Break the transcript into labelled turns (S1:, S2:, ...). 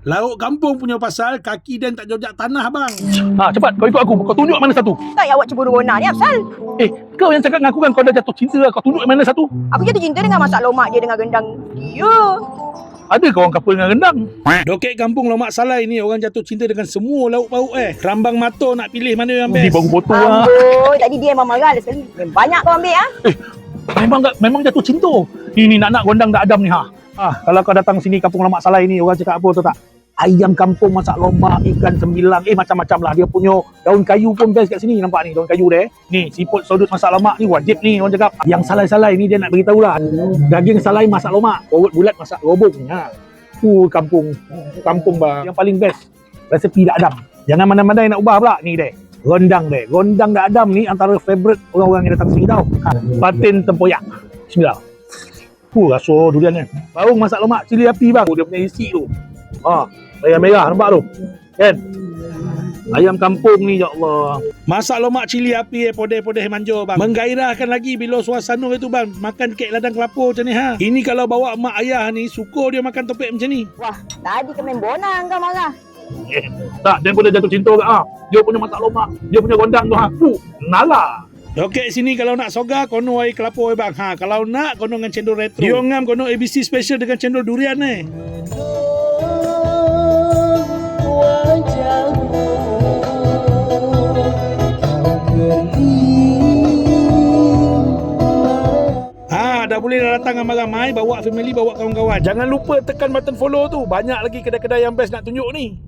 S1: Lauk kampung punya pasal kaki dan tak jojak tanah bang.
S2: Cepat kau ikut aku. Kau tunjuk mana satu.
S3: Tak payah awak cemburu Rona ni Afsal.
S2: Kau yang cakap dengan aku kan kau dah jatuh cinta. Kau tunjuk mana satu.
S3: Aku jatuh cinta dengan masak lomak dia dengan rendang dia.
S2: Ada kau orang couple dengan rendang.
S1: Dokek kampung Lomak Salai ni orang jatuh cinta dengan semua lauk pauk Rambang mata nak pilih mana yang
S2: Ni
S1: best.
S2: baru potong lah.
S3: Amboi, tadi dia memang marah dah sekali. Banyak kau ambil
S2: Memang jatuh cinta. Ni nak gondang tak adam ni kalau kau datang sini kampung Lomak Salai ni, orang cakap apa tahu tak? Ayam kampung masak lomak, ikan sembilang, macam-macam lah. Dia punya daun kayu pun best kat sini. Nampak ni daun kayu dia. Ni siput sodut masak lomak ni wajib ni orang cakap. Yang salai-salai ni dia nak beritahu lah. Daging salai masak lomak, urut bulat masak robong. Kampung bah. Yang paling best resepi dak adam. Jangan mana-mana nak ubah pula. Ni deh. Gondang dak adam ni antara favourite orang-orang yang datang sini tau. Patin tempoyak. Bismillah. Rasa durian ni. Baung masak lomak cili api bang. Dia punya isi tu. Merah-merah nampak tu. Kan? Ayam kampung ni ya Allah.
S1: Masak lomak cili api podeh-podeh manja bang. Menggairahkan lagi bila suasana itu bang. Makan kek ladang kelapa macam ni Ini kalau bawa mak ayah ni suka dia makan topek macam ni.
S3: Wah, tadi ke main bonang kau marah.
S2: Tak, dia pun dah jatuh cinta ke Dia punya masak lomak, dia punya gondang tu nala.
S1: Okey sini kalau nak soga kono air kelapa bang. Kalau nak kono dengan cendol retro. Dia ngam kono ABC special dengan cendol durian dah boleh datang dengan ramai, bawa family, bawa kawan-kawan. Jangan lupa tekan button follow tu. Banyak lagi kedai-kedai yang best nak tunjuk ni.